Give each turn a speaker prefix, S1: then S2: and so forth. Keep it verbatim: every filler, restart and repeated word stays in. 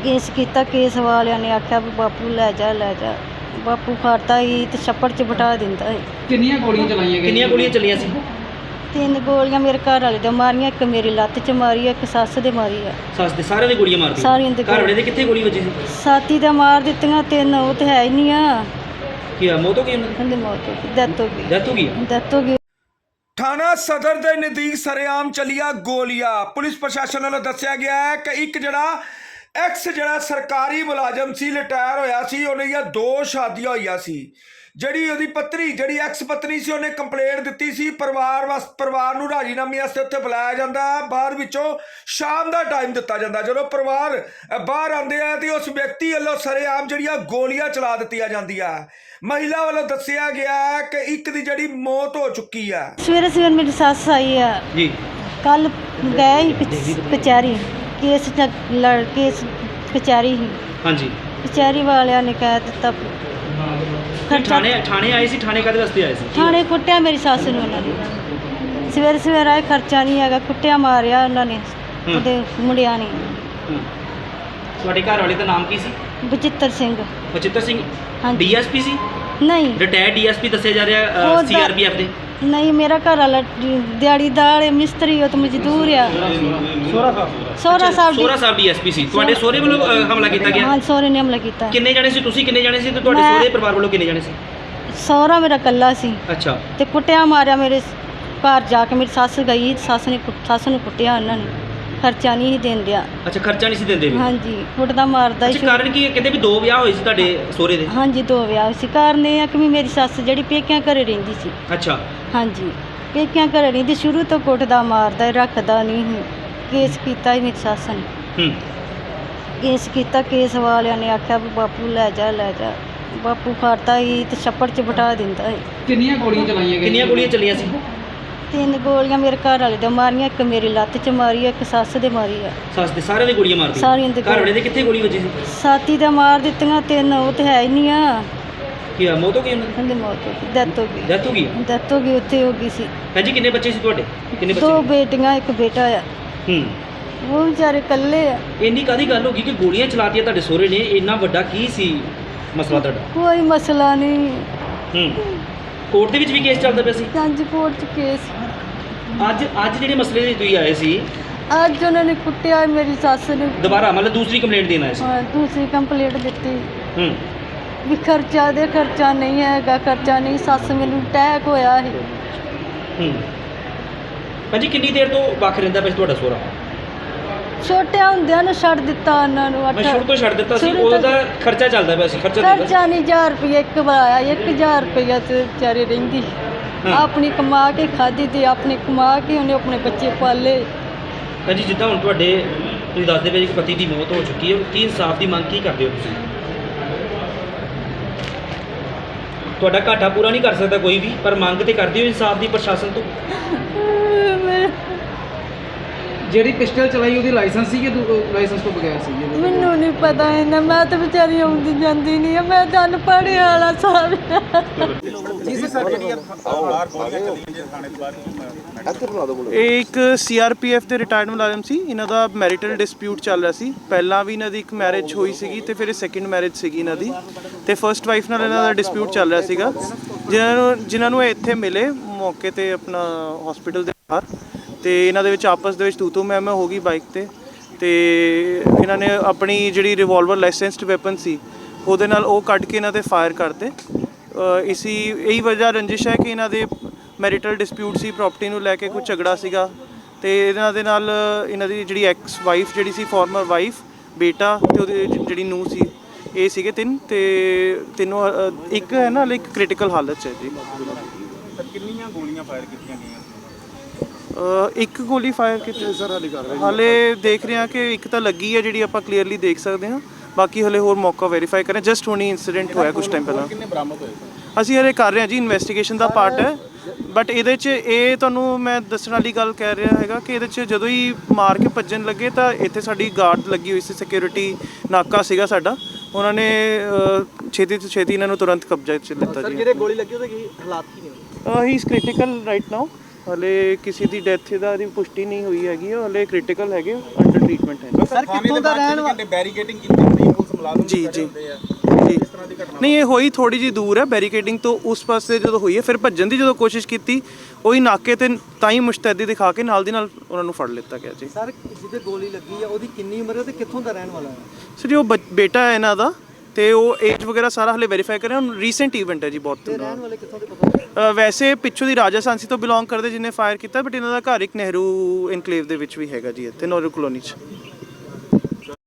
S1: Case किया, case वालियां ने आख्या भी बापू लै जा लै जा, बापू फड़ता ही तो छप्पड़ च बिठा दिंदा है।
S2: किन्नियां गोलियां चलाईयां गईयां?
S3: किन्नियां गोलियां चलियां सी?
S1: तीन गोलियां मेरे घर वाले दे मारियां, एक मेरी लत्त च मारी है, एक सस दे मारी है।
S3: सस दे सारे दे गोलियां मार दी?
S1: सारियां दे
S3: घर वाले दे कित्थे गोली वजी सी?
S1: साथी दे मार दित्तियां, तीन वो तो है ही नहीं आ।
S3: की मौत हो गई उन्हें?
S1: उनकी मौत हो गई, डेथ हो गई।
S3: डेथ हो गई?
S1: डेथ हो गई।
S4: ਥਾਣਾ ਸਦਰ ਦੇ ਨਜ਼ਦੀਕ ਸਰੇਆਮ ਚੱਲੀਆਂ ਗੋਲੀਆਂ। ਪੁਲਿਸ ਪ੍ਰਸ਼ਾਸਨ ਵੱਲੋਂ ਦੱਸਿਆ ਗਿਆ ਹੈ ਕਿ ਇੱਕ ਜਿਹੜਾ ਐਕਸ ਜਿਹੜਾ ਸਰਕਾਰੀ ਮੁਲਾਜ਼ਮ ਸੀ, ਰਿਟਾਇਰ ਹੋਇਆ ਸੀ, ਉਹਦੀਆਂ ਦੋ ਸ਼ਾਦੀਆਂ ਹੋਈਆਂ ਸੀ। ਜਿਹੜੀ ਉਹਦੀ ਪਤਨੀ ਜਿਹੜੀ ਐਕਸ ਪਤਨੀ ਸੀ, ਉਹਨੇ ਕੰਪਲੇਂਟ ਦਿੱਤੀ ਸੀ। ਪਰਿਵਾਰ ਵਾਸ ਪਰਿਵਾਰ ਨੂੰ ਰਾਜੀਨਾਮੇ ਵਾਸਤੇ ਉੱਥੇ ਬੁਲਾਇਆ ਜਾਂਦਾ, ਬਾਅਦ ਵਿੱਚੋਂ ਸ਼ਾਮ ਦਾ ਟਾਈਮ ਦਿੱਤਾ ਜਾਂਦਾ। ਜਦੋਂ ਪਰਿਵਾਰ ਬਾਹਰ ਆਉਂਦੇ ਆ ਤੇ ਉਸ ਵਿਅਕਤੀ ਵੱਲੋਂ ਸਰੇਆਮ ਜਿਹੜੀਆਂ ਗੋਲੀਆਂ ਚਲਾ ਦਿੱਤੀਆਂ ਜਾਂਦੀਆਂ। महिला वालों दसिया गया है कि एक दी जड़ी मौत हो चुकी है।
S1: सवेरे सवेरे मेरी सस आई है
S3: जी,
S1: कल गए कचहरी, केस च- लड़ केस कचहरी ही,
S3: हाँ जी।
S1: कचहरी वालिया ने कह दिता
S3: फिर थाने थाने आए सी? थाने काहदे वास्ते आए सी?
S1: थाने कुटिया मेरी सस ने उन्होंने सवेरे सवेरे आए, खर्चा नहीं है, कुटिया मारिया उन्होंने ਉਹਦੇ ਮੁੰਡਿਆਂ ਨੇ।
S3: ਤੁਹਾਡੇ ਘਰ ਵਾਲੇ ਦਾ ਨਾਮ ਕੀ ਸੀ?
S1: ਬਚਿੱਤਰ ਸਿੰਘ।
S3: ਬਚਿੱਤਰ ਸਿੰਘ
S1: ਹਾਂਜੀ।
S3: ਡੀਐਸਪੀ ਸੀ?
S1: ਨਹੀਂ
S3: ਰਿਟਾਇਰਡ ਡੀਐਸਪੀ ਦੱਸਿਆ ਜਾ ਰਿਹਾ
S1: ਉਹਦਾ-
S3: ਸੀਆਰਪੀਐਫ ਦੇ?
S1: ਨਹੀਂ, ਮੇਰਾ ਘਰ ਵਾਲਾ ਦਿਹਾੜੀਦਾਰ ਹੈ, ਮਿਸਤਰੀ, ਉਹ ਤਾਂ ਮਜ਼ਦੂਰ ਆ। ਸੋਹਰਾ ਸਾਹਿਬ
S3: ਸੋਹਰਾ ਸਾਹਿਬ ਡੀਐਸਪੀ ਸੀ। ਤੁਹਾਡੇ ਸਹੁਰੇ ਵੱਲੋਂ ਅ, ਹਮਲਾ ਕੀਤਾ ਗਿਆ?
S1: ਹਾਂ, ਸਹੁਰੇ ਨੇ ਹਮਲਾ ਕੀਤਾ।
S3: ਕਿੰਨੇ ਜਾਣੇ ਸੀ ਤੁਸੀਂ? ਕਿੰਨੇ ਜਾਣੇ ਸੀ ਤੇ ਤੁਹਾਡੇ
S1: ਮੈਂ-
S3: ਸਹੁਰੇ ਪਰਿਵਾਰ ਵੱਲੋਂ ਕਿੰਨੇ ਜਾਣੇ ਸੀ?
S1: ਸਹੁਰਾ ਮੇਰਾ ਇਕੱਲਾ ਸੀ
S3: ਅੱਛਾ।
S1: ਤੇ ਕੁੱਟਿਆ ਮਾਰਿਆ। ਮੇਰੇ ਘਰ ਜਾ ਕੇ ਮੇਰੀ ਸੱਸ ਗਈ, ਸੱਸ ਨੇ ਕੁੱਟ- ਸੱਸ ਨੂੰ ਕੁੱਟਿਆ ਉਹਨਾਂ ਨੇ, ਖਰਚਾ ਨਹੀਂ ਸੀ ਦੇਣ ਦਿਆ।
S3: ਅੱਛਾ, ਖਰਚਾ ਨਹੀਂ ਸੀ ਦਿੰਦੇ ਵੀ?
S1: ਹਾਂਜੀ, ਕੁੱਟਦਾ ਮਾਰਦਾ
S3: ਅੱਛਾ,
S1: ਸੀ।
S3: ਕਾਰਨ ਕੀ ਹੈ? ਕਹਿੰਦੇ ਵੀ ਦੋ ਵਿਆਹ ਹੋਏ ਸੀ ਤੁਹਾਡੇ ਸਹੁਰੇ ਦੇ?
S1: ਹਾਂਜੀ, ਦੋ ਵਿਆਹ ਸੀ। ਕਾਰਨ ਇਹ ਆ ਕਿ ਵੀ ਮੇਰੀ ਸੱਸ ਜਿਹੜੀ ਪੇਕਿਆਂ ਘਰੇ ਰਹਿੰਦੀ ਸੀ।
S3: ਅੱਛਾ।
S1: ਹਾਂਜੀ, ਪੇਕਿਆਂ ਘਰੇ ਰਹਿੰਦੀ, ਸ਼ੁਰੂ ਤੋਂ ਕੁੱਟਦਾ ਮਾਰਦਾ, ਰੱਖਦਾ ਨਹੀਂ ਸੀ। ਕੇਸ ਕੀਤਾ ਹੀ ਮੇਰੀ ਸੱਸ ਨੇ,
S3: ਹੂੰ।
S1: ਕੇਸ ਕੀਤਾ, ਕੇਸ ਵਾਲਿਆਂ ਨੇ ਆਖਿਆ ਵੀ ਬਾਪੂ ਲੈ ਜਾ ਲੈ ਜਾ, ਬਾਪੂ ਫੜਤਾ ਹੀ ਤੇ ਛੱਪੜ 'ਚ ਬਿਠਾ ਦਿੰਦਾ ਹੈ।
S2: ਕਿੰਨੀਆਂ ਗੋਲੀਆਂ ਚਲਾਈਆਂ ਗਈਆਂ?
S3: ਕਿੰਨੀਆਂ ਗੋਲੀਆਂ ਚੱਲੀਆਂ ਸੀ?
S1: ਤਿੰਨ ਗੋਲੀਆਂ ਮੇਰੇ ਘਰ ਵਾਲੇ ਦੇ ਮਾਰੀਆਂ, ਇੱਕ ਮੇਰੀ ਲੱਤ 'ਚ ਮਾਰੀ ਹੈ, ਇੱਕ ਸੱਸ ਦੇ ਮਾਰੀ ਹੈ।
S3: ਸੱਸ ਦੇ ਸਾਰੇ ਦੇ ਗੋਲੀਆਂ ਮਾਰ दी?
S1: ਸਾਰਿਆਂ ਦੇ
S3: ਘਰ ਵਾਲੇ ਦੇ ਕਿੱਥੇ ਗੋਲੀ ਵੱਜੀ ਸੀ?
S1: ਸਾਥੀ ਦੇ ਮਾਰ ਦਿੱਤੀਆਂ, ਤਿੰਨ ਉਹ ਤੇ ਹੈ ਹੀ ਨਹੀਂ ਆ।
S3: ਕੀ ਮੌਤ ਹੋ ਗਈ ਉਹਨਾਂ ਦੀ?
S1: ਉਹਦੀ ਮੌਤ ਹੋ ਗਈ, ਡੈਥ ਹੋ ਗਈ।
S3: ਡੈਥ ਹੋ ਗਈ?
S1: ਡੈਥ ਹੋ ਗਈ, ਉੱਥੇ ਹੋ ਗਈ ਸੀ।
S3: ਭੈਣ ਜੀ, ਕਿੰਨੇ ਬੱਚੇ ਸੀ ਤੁਹਾਡੇ? ਕਿੰਨੇ ਬੱਚੇ?
S1: ਦੋ ਬੇਟੀਆਂ, ਇੱਕ ਬੇਟਾ ਆ।
S3: ਹੂੰ।
S1: ਉਹ ਵਿਚਾਰੇ ਇਕੱਲੇ ਆ।
S3: ਇੰਨੀ ਕਾਹਦੀ ਗੱਲ ਹੋ ਗਈ ਕਿ ਗੋਲੀਆਂ ਚਲਾਤੀਆਂ ਤੁਹਾਡੇ ਸਹੁਰੇ ਨੇ? ਇੰਨਾ ਵੱਡਾ ਕੀ ਸੀ ਮਸਲਾ ਤੁਹਾਡਾ?
S1: ਕੋਈ ਮਸਲਾ ਨਹੀਂ।
S3: ਹੂੰ। ਕੋਰਟ ਦੇ ਵਿੱਚ ਵੀ ਕੇਸ ਚੱਲਦਾ ਪਿਆ ਸੀ?
S1: ਪੰਜ ਕੋਰਟ 'ਚ ਕੇਸ।
S3: ਅੱਜ ਅੱਜ ਜਿਹੜੇ ਮਸਲੇ ਦੇ ਤੁਸੀਂ ਆਏ ਸੀ,
S1: ਅੱਜ ਉਹਨਾਂ ਨੇ ਕੁੱਟਿਆ ਮੇਰੀ ਸੱਸ ਨੇ।
S3: ਦੁਬਾਰਾ ਮਤਲਬ ਦੂਸਰੀ ਕੰਪਲੇਂਟ ਦੇਣ ਆਏ ਸੀ?
S1: ਹਾਂ, ਦੂਸਰੀ ਕੰਪਲੀਟ ਦਿੱਤੀ
S3: ਹੂੰ।
S1: ਵੀ ਖਰਚਾ ਦੇ, ਖਰਚਾ ਨਹੀਂ ਹੈਗਾ, ਖਰਚਾ ਨਹੀਂ। ਸੱਸ ਮੈਨੂੰ ਅਟੈਕ ਹੋਇਆ ਸੀ।
S3: ਹੂੰ। ਭਾਜੀ, ਕਿੰਨੀ ਦੇਰ ਤੋਂ ਵੱਖ ਰਹਿੰਦਾ ਪਿਆ ਸੀ ਤੁਹਾਡਾ ਸਹੁਰਾ?
S1: ਛੋਟਿਆਂ ਹੁੰਦਿਆਂ ਨੂੰ ਛੱਡ ਦਿੱਤਾ ਉਹਨਾਂ ਨੂੰ।
S3: ਮੈਂ ਸ਼ੁਰੂ ਤੋਂ ਛੱਡ ਦਿੱਤਾ ਸੀ?
S1: ਸ਼ੁਰੂ ਤੋਂ-
S3: ਉਹਦਾ ਖਰਚਾ ਚੱਲਦਾ ਪਿਆ ਸੀ? ਖਰਚਾ ਦਿੰਦਾ ਸੀ?
S1: ਖਰਚਾ ਨਹੀਂ, ਹਜ਼ਾਰ ਰੁਪਏ ਇੱਕ ਵਾਰ ਆਇਆ, ਇੱਕ ਹਜ਼ਾਰ ਰੁਪਇਆ ਤੇ ਵਿਚਾਰੇ ਰਹਿੰਦੀ।
S3: ਹਾਂ।
S1: ਆਪਣੀ ਕਮਾ ਕੇ ਖਾਧੀ ਤੇ ਆਪਣੇ ਕਮਾ ਕੇ ਉਹਨੇ ਆਪਣੇ ਬੱਚੇ ਪਾਲੇ।
S3: ਭਾਜੀ, ਜਿੱਦਾਂ ਹੁਣ ਤੁਹਾਡੇ ਤੁਸੀਂ ਦੱਸਦੇ ਪਏ ਕਿ ਪਤੀ ਦੀ ਮੌਤ ਹੋ ਚੁੱਕੀ ਹੈ, ਕੀ ਇਨਸਾਫ ਦੀ ਮੰਗ ਕੀ ਕਰਦੇ ਹੋ ਤੁਸੀਂ? ਤੁਹਾਡਾ ਘਾਟਾ ਪੂਰਾ ਨਹੀਂ ਕਰ ਸਕਦਾ ਕੋਈ ਵੀ, ਪਰ ਮੰਗ ਤੇ ਕਰਦੇ ਹੋ ਇਨਸਾਫ ਦੀ ਪ੍ਰਸ਼ਾਸਨ ਤੋਂ?
S2: ਜਿਹੜੀ ਪਿਸਟਲ ਚਲਾਈ ਉਹਦੀ ਲਾਇਸੈਂਸ ਸੀ ਕਿ ਲਾਇਸੈਂਸ ਤੋਂ ਬਗੈਰ ਸੀ?
S1: ਮੈਨੂੰ ਨਹੀਂ ਪਤਾ ਇਹਨਾਂ, ਮੈਂ ਤਾਂ ਵਿਚਾਰੀ ਆਉਂਦੀ ਜਾਂਦੀ ਨਹੀਂ ਆ, ਮੈਂ ਤਾਂ ਅਨਪੜ੍ਹ ਵਾਲਾ ਸਾਹਿਬ।
S5: ਇਹ ਇੱਕ ਸੀਆਰਪੀਐਫ ਦੇ ਰਿਟਾਇਰਡ ਮੁਲਾਜ਼ਮ ਸੀ। ਇਹਨਾਂ ਦਾ ਮੈਰਿਟਲ ਡਿਸਪਿਊਟ ਚੱਲ ਰਿਹਾ ਸੀ। ਪਹਿਲਾਂ ਵੀ ਇਹਨਾਂ ਦੀ ਇੱਕ ਮੈਰਿਜ ਹੋਈ ਸੀਗੀ ਤੇ ਫਿਰ ਇਹ ਸੈਕਿੰਡ ਮੈਰਿਜ ਸੀਗੀ ਇਹਨਾਂ ਦੀ, ਤੇ ਫਰਸਟ ਵਾਈਫ ਨਾਲ ਇਹਨਾਂ ਦਾ ਡਿਸਪਿਊਟ ਚੱਲ ਰਿਹਾ ਸੀਗਾ। ਜਿਨ੍ਹਾਂ ਨੂੰ ਜਿਨ੍ਹਾਂ ਨੂੰ ਇਹ ਇੱਥੇ ਮਿਲੇ ਮੌਕੇ ਤੇ ਆਪਣਾ ਹਸਪੀਟਲ ਦੇ ਬਾਹਰ, ਤੇ ਇਹਨਾਂ ਦੇ ਵਿੱਚ ਆਪਸ ਦੇ ਵਿੱਚ ਤੂ ਤੂ ਮੈਂ ਮੈਂ ਹੋ ਗਈ ਬਾਈਕ ਤੇ ਤੇ ਇਹਨਾਂ ਨੇ ਆਪਣੀ ਜਿਹੜੀ ਰਿਵਾਲਵਰ ਲਾਇਸੈਂਸਡ ਵੈਪਨ ਸੀ ਉਹਦੇ ਨਾਲ ਉਹ ਕੱਢ ਕੇ ਇਹਨਾਂ ਤੇ ਫਾਇਰ ਕਰਤੇ। ਇਸੀ ਇਹੀ ਵਜ੍ਹਾ ਰੰਜਿਸ਼ ਹੈ ਕਿ ਇਹਨਾਂ ਦੇ ਮੈਰਿਟਲ ਡਿਸਪਿਊਟ ਸੀ, ਪ੍ਰਾਪਰਟੀ ਨੂੰ ਲੈ ਕੇ ਕੋਈ ਝਗੜਾ ਸੀਗਾ, ਤੇ ਇਹਨਾਂ ਦੇ ਨਾਲ ਇਹਨਾਂ ਦੀ ਜਿਹੜੀ ਐਕਸ ਵਾਈਫ ਜਿਹੜੀ ਸੀ, ਫਾਰਮਰ ਵਾਈਫ, ਬੇਟਾ ਤੇ ਉਹਦੀ ਜਿਹੜੀ ਨੂੰਹ ਸੀ, ਇਹ ਸੀਗੇ ਤਿੰਨ, ਤੇ ਤਿੰਨੋਂ ਇੱਕ ਹੈ ਨਾ ਇੱਕ ਕ੍ਰਿਟੀਕਲ ਹਾਲਤ 'ਚ ਹੈ ਜੀ।
S6: ਕਿੰਨੀਆਂ ਗੋਲੀਆਂ ਫਾਇਰ ਕੀਤੀਆਂ ਗਈਆਂ?
S5: ਇੱਕ ਗੋਲੀ ਫਾਇਰ ਕੀਤੀ ਸਰ, ਹਾਲੇ ਕਰ ਰਹੇ ਹਾਲੇ ਦੇਖ ਰਹੇ ਹਾਂ ਕਿ ਇੱਕ ਤਾਂ ਲੱਗੀ ਹੈ ਜਿਹੜੀ ਆਪਾਂ ਕਲੀਅਰਲੀ ਦੇਖ ਸਕਦੇ ਹਾਂ, ਬਾਕੀ ਹਲੇ ਹੋਰ ਮੌਕਾ ਵੈਰੀਫਾਈ ਕरें। ਜਸਟ ਹੁਣੀ ਇਨਸੀਡੈਂਟ ਹੋਇਆ ਕੁਝ ਟਾਈਮ ਪਹਿਲਾਂ।
S6: ਕਿੰਨੇ ਬਰਾਮਦ ਹੋਏ?
S5: ਅਸੀਂ ਹਲੇ ਕਰ ਰਹੇ ਹਾਂ ਜੀ, ਇਨਵੈਸਟੀਗੇਸ਼ਨ ਦਾ ਪਾਰਟ ਹੈ, ਬਟ ਇਹਦੇ 'ਚ ਇਹ ਤੁਹਾਨੂੰ ਮੈਂ ਦੱਸਣ ਵਾਲੀ ਗੱਲ ਕਹਿ ਰਿਹਾ ਹੈਗਾ ਕਿ ਇਹਦੇ 'ਚ ਜਦੋਂ ਹੀ ਮਾਰ ਕੇ ਭੱਜਣ ਲੱਗੇ ਤਾਂ ਇੱਥੇ ਸਾਡੀ ਗਾਰਡ ਲੱਗੀ ਹੋਈ ਸੀ, ਸਿਕਿਉਰਿਟੀ ਨਾਕਾ ਸੀਗਾ ਸਾਡਾ, ਉਹਨਾਂ ਨੇ ਛੇਤੀ ਤੋਂ ਛੇਤੀ ਇਹਨਾਂ ਨੂੰ ਤੁਰੰਤ ਕਬਜ਼ੇ 'ਚ ਲਿੱਤਾ ਜੀ।
S7: ਸਰ, ਜਿਹੜੇ ਗੋਲੀ ਲੱਗੀ ਉਹਦੇ ਕੀ ਹਾਲਾਤ ਕੀ ਨੇ?
S5: He is critical right now, ਹਲੇ ਕਿਸੇ ਦੀ ਡੈਥ ਦਾ ਦੀ ਪੁਸ਼ਟੀ ਨਹੀਂ ਹੋਈ ਹੈਗੀ, ਹਲੇ ਕ੍ਰਿਟੀਕਲ ਹੈਗੇ, ਅੰਡਰ ਟ੍ਰੀਟਮੈਂਟ ਹੈ।
S6: ਸਰ ਕਿੱਥੋਂ ਦਾ ਰਹਿਣ ਵਾਲਾ ਬੈਰੀਕੇਡਿੰਗ ਕੀਤੀ ਹੁੰਦੀ ਹੈ, ਪੁਲਿਸ ਮੁਲਾਜ਼ਮ
S5: ਜੀ
S6: ਖੜੇ
S5: ਜੀ
S6: ਹੁੰਦੇ ਆ,
S5: ਜੀ
S6: ਇਸ ਤਰ੍ਹਾਂ ਦੀ ਘਟਨਾ
S5: ਨਹੀਂ, ਇਹ ਹੋਈ ਥੋੜੀ ਜਿਹੀ ਦੂਰ ਹੈ ਬੈਰੀਕੇਡਿੰਗ ਤੋਂ, ਉਸ ਪਾਸੇ ਜਦੋਂ ਹੋਈ ਹੈ ਫਿਰ ਭੱਜਣ ਦੀ ਜਦੋਂ ਕੋਸ਼ਿਸ਼ ਕੀਤੀ, ਉਹੀ ਨਾਕੇ ਤੇ ਤਾਂ ਹੀ ਮੁਸ਼ਤੈਦੀ ਦਿਖਾ ਕੇ ਨਾਲ ਦੀ ਨਾਲ ਉਹਨਾਂ ਨੂੰ ਫੜ ਲਿੱਤਾ ਗਿਆ ਜੀ।
S7: ਸਰ ਜਿਹਦੇ ਗੋਲੀ ਲੱਗੀ ਆ ਉਹਦੀ ਕਿੰਨੀ ਉਮਰ ਹੈ ਤੇ ਕਿੱਥੋਂ ਦਾ ਰਹਿਣ ਵਾਲਾ ਹੈ?
S5: ਸਰ ਜੀ ਉਹ ਬੱਚ- ਬੇਟਾ ਹੈ ਇਹਨਾਂ ਦਾ, ਤੇ ਉਹ ਏਜ ਵਗੈਰਾ ਸਾਰਾ ਹਲੇ ਵੈਰੀਫਾਈ ਕਰ ਰਹੇ ਹਾਂ। ਰੀਸੈਂਟ ਇਵੈਂਟ ਹੈ ਜੀ ਬਹੁਤ।
S7: ਤੇ ਰਹਿਣ ਵਾਲੇ ਕਿੱਥੋਂ ਦੇ ਪਤਾ?
S5: ਅ, ਵੈਸੇ ਪਿੱਛੋਂ ਦੀ ਰਾਜਾ ਸਾਂਸੀ ਤੋਂ ਬਿਲੋਂਗ ਕਰਦੇ ਜਿਹਨੇ ਫਾਇਰ ਕੀਤਾ, ਬਟ ਇਹਨਾਂ ਦਾ ਘਰ ਇੱਕ ਨਹਿਰੂ ਇਨਕਲੇਵ ਦੇ ਵਿੱਚ ਵੀ ਹੈਗਾ ਜੀ, ਇੱਥੇ ਨਹਿਰੂ ਕਲੋਨੀ 'ਚ।